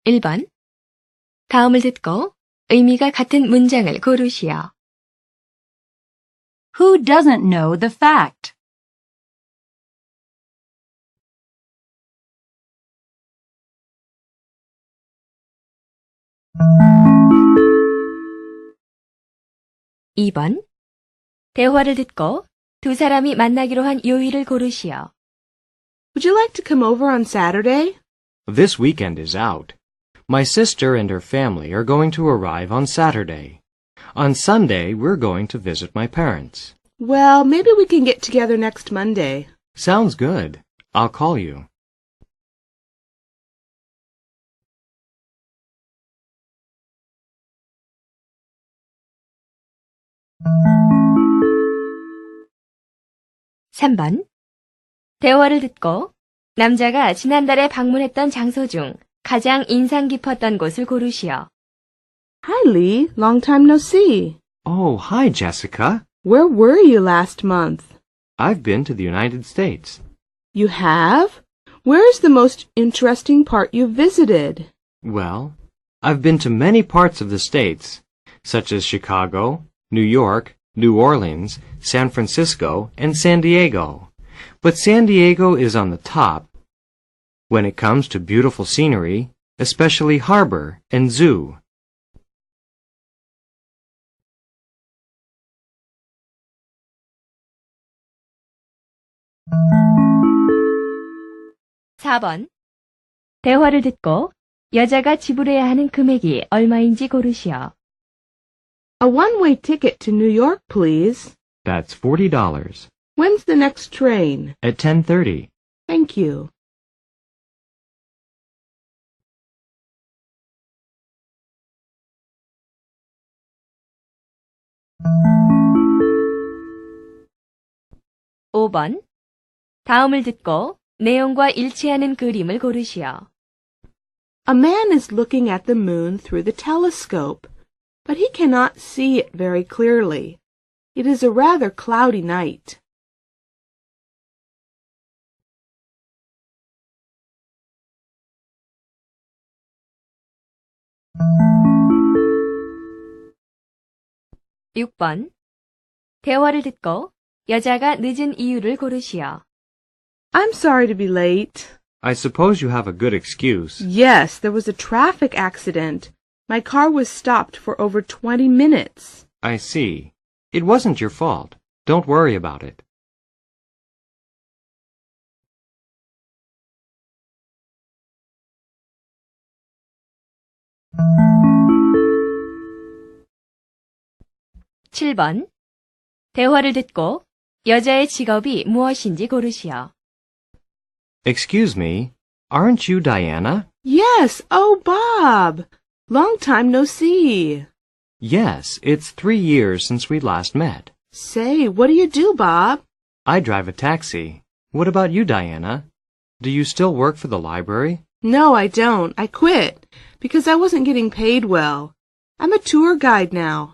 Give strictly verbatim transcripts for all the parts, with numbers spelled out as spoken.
일 번. 다음을 듣고 의미가 같은 문장을 고르시오. Who doesn't know the fact? 이 번. 대화를 듣고 두 사람이 만나기로 한 요일을 고르시오. Would you like to come over on Saturday? This weekend is out. My sister and her family are going to arrive on Saturday. On Sunday, we're going to visit my parents. Well, maybe we can get together next Monday. Sounds good. I'll call you. 삼 번. 대화를 듣고 남자가 지난달에 방문했던 장소 중 가장 인상 깊었던 곳을 고르시오. Hi, Lee. Long time no see. Oh, hi, Jessica. Where were you last month? I've been to the United States. You have? Where is the most interesting part you visited? Well, I've been to many parts of the States, such as Chicago, New York, New Orleans, San Francisco, and San Diego. But San Diego is on the top when it comes to beautiful scenery, especially harbor and zoo. 사 번. 대화를 듣고 여자가 지불해야 하는 금액이 얼마인지 고르시오. A one-way ticket to New York, please. That's forty dollars. When's the next train? At ten thirty. Thank you. 오 번. 다음을 듣고 내용과 일치하는 그림을 고르시오. A man is looking at the moon through the telescope, but he cannot see it very clearly. It is a rather cloudy night. 육 번. 대화를 듣고 여자가 늦은 이유를 고르시오. I'm sorry to be late. I suppose you have a good excuse. Yes, there was a traffic accident. My car was stopped for over twenty minutes. I see. It wasn't your fault. Don't worry about it. 칠 번. 대화를 듣고 여자의 직업이 무엇인지 고르시오. Excuse me, aren't you Diana? Yes, oh, Bob. Long time no see. Yes, it's three years since we last met. Say, what do you do, Bob? I drive a taxi. What about you, Diana? Do you still work for the library? No, I don't. I quit because I wasn't getting paid well. I'm a tour guide now.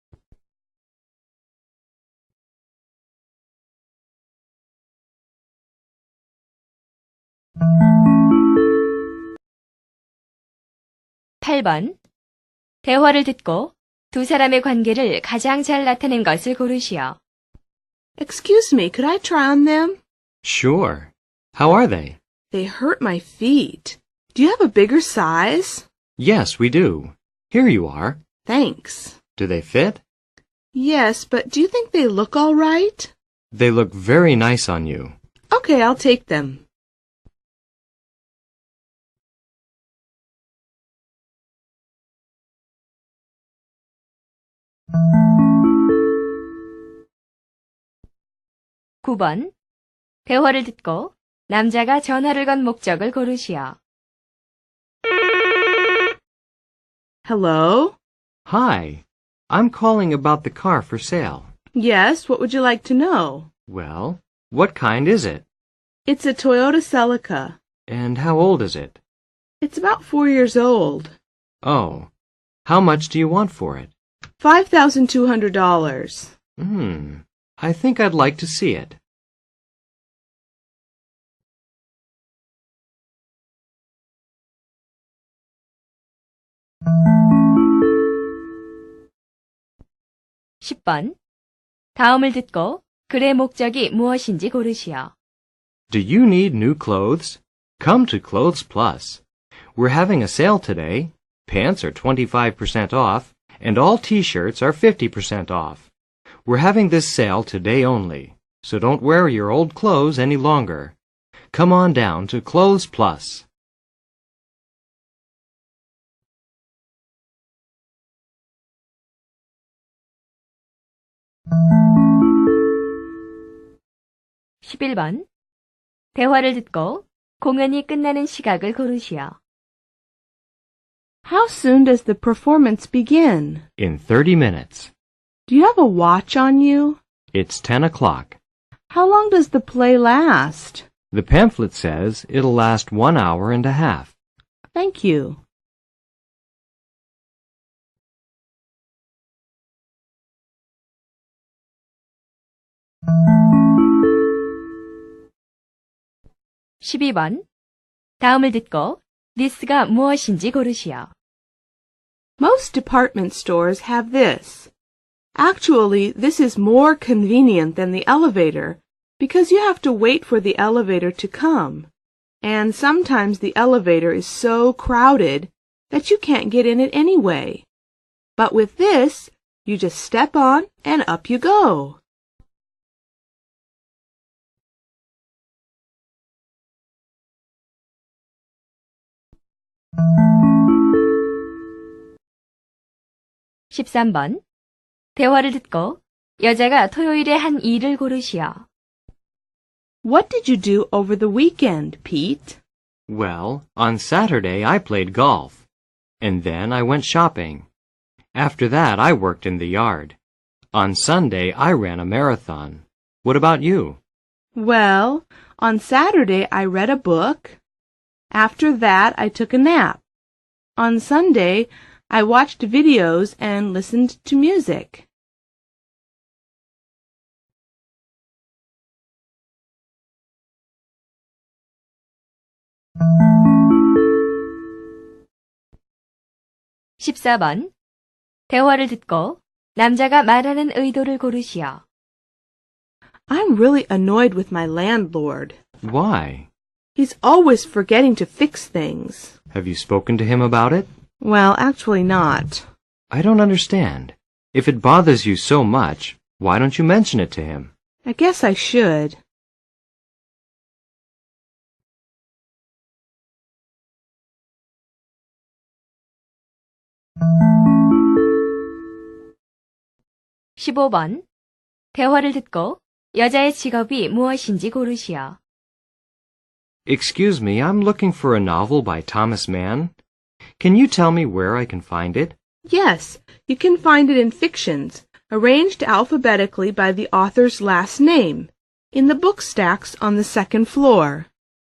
팔 번. 대화를 듣고 두 사람의 관계를 가장 잘 나타낸 것을 고르시오. Excuse me, could I try on them? Sure. How are they? They hurt my feet. Do you have a bigger size? Yes, we do. Here you are. Thanks. Do they fit? Yes, but do you think they look all right? They look very nice on you. Okay, I'll take them. 구 번. 대화를 듣고 남자가 전화를 건 목적을 고르시오. Hello? Hi. I'm calling about the car for sale. Yes, what would you like to know? Well, what kind is it? It's a Toyota Celica. And how old is it? It's about four years old. Oh. How much do you want for it? Five thousand two hundred dollars. Hmm. I think I'd like to see it. 십 번. 다음을 듣고 글의 목적이 무엇인지 고르시오. Do you need new clothes? Come to Clothes Plus. We're having a sale today. Pants are twenty-five percent off, and all t-shirts are fifty percent off. We're having this sale today only, so don't wear your old clothes any longer. Come on down to Clothes Plus. 십일 번. 대화를 듣고 공연이 끝나는 시각을 고르시오. How soon does the performance begin? In thirty minutes. Do you have a watch on you? It's ten o'clock. How long does the play last? The pamphlet says it'll last one hour and a half. Thank you. 십이 번. 다음을 듣고 this가 무엇인지 고르시오. Most department stores have this. Actually, this is more convenient than the elevator because you have to wait for the elevator to come. And sometimes the elevator is so crowded that you can't get in it anyway. But with this, you just step on and up you go. 십삼 번. 대화를 듣고 여자가 토요일에 한 일을 고르시오. What did you do over the weekend, Pete? Well, on Saturday I played golf, and then I went shopping. After that I worked in the yard. On Sunday I ran a marathon. What about you? Well, on Saturday I read a book. After that I took a nap. On Sunday I watched videos and listened to music. 십사 번. 대화를 듣고 남자가 말하는 의도를 고르시오. I'm really annoyed with my landlord. Why? He's always forgetting to fix things. Have you spoken to him about it? Well, actually not. I don't understand. If it bothers you so much, why don't you mention it to him? I guess I should. 십오 번. 대화를 듣고 여자의 직업이 무엇인지 고르시오. Excuse me, I'm looking for a novel by Thomas Mann. Can you tell me where I can find it? Yes, you can find it in fictions, arranged alphabetically by the author's last name, in the book stacks on the second floor.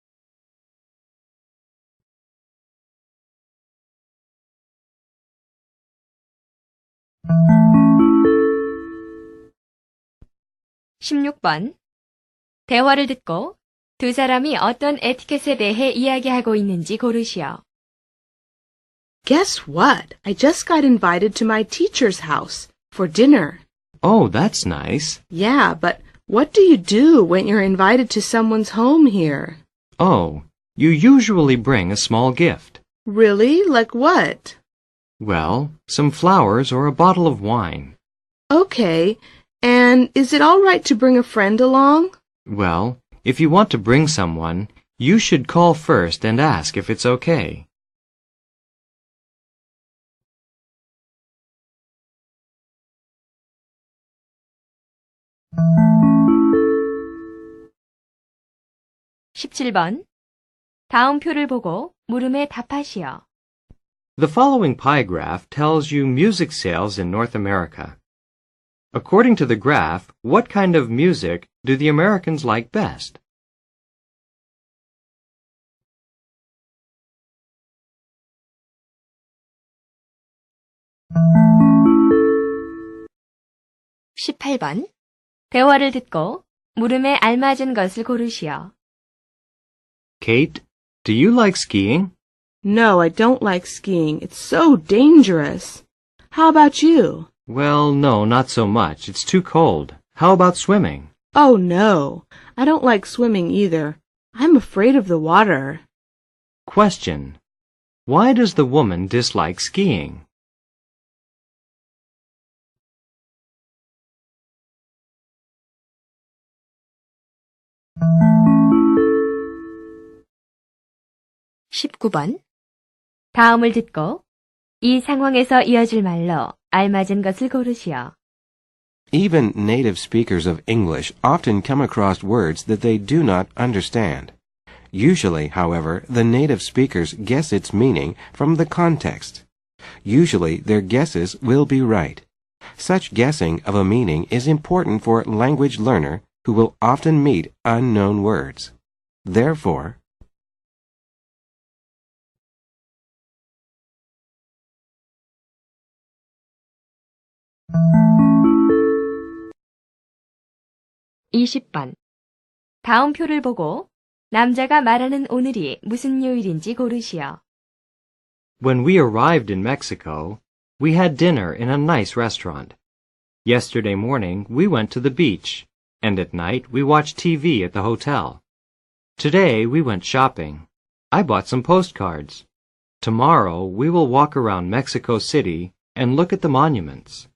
십육 번. 대화를 듣고 두 사람이 어떤 에티켓에 대해 이야기하고 있는지 고르시오. Guess what? I just got invited to my teacher's house for dinner. Oh, that's nice. Yeah, but what do you do when you're invited to someone's home here? Oh, you usually bring a small gift. Really? Like what? Well, some flowers or a bottle of wine. Okay, and is it all right to bring a friend along? Well, if you want to bring someone, you should call first and ask if it's okay. 십칠 번. 다음 표를 보고 물음에 답하시오. The following pie graph tells you music sales in North America. According to the graph, what kind of music do the Americans like best? 십팔 번. 대화를 듣고 물음에 알맞은 것을 고르시오. Kate, do you like skiing? No, I don't like skiing. It's so dangerous. How about you? Well, no, not so much. It's too cold. How about swimming? Oh, no. I don't like swimming either. I'm afraid of the water. Question. Why does the woman dislike skiing? 십구 번. 다음을 듣고 이 상황에서 이어질 말로 알맞은 것을 고르시오. Even native speakers of English often come across words that they do not understand. Usually, however, the native speakers guess its meaning from the context. Usually, their guesses will be right. Such guessing of a meaning is important for a language learner who will often meet unknown words. Therefore, 이십 번. 다음 표를 보고 남자가 말하는 오늘이 무슨 요일인지 고르시오. When we arrived in Mexico, we had dinner in a nice restaurant. Yesterday morning, we went to the beach, and at night we watched T V at the hotel. Today we went shopping. I bought some postcards. Tomorrow we will walk around Mexico City and look at the monuments.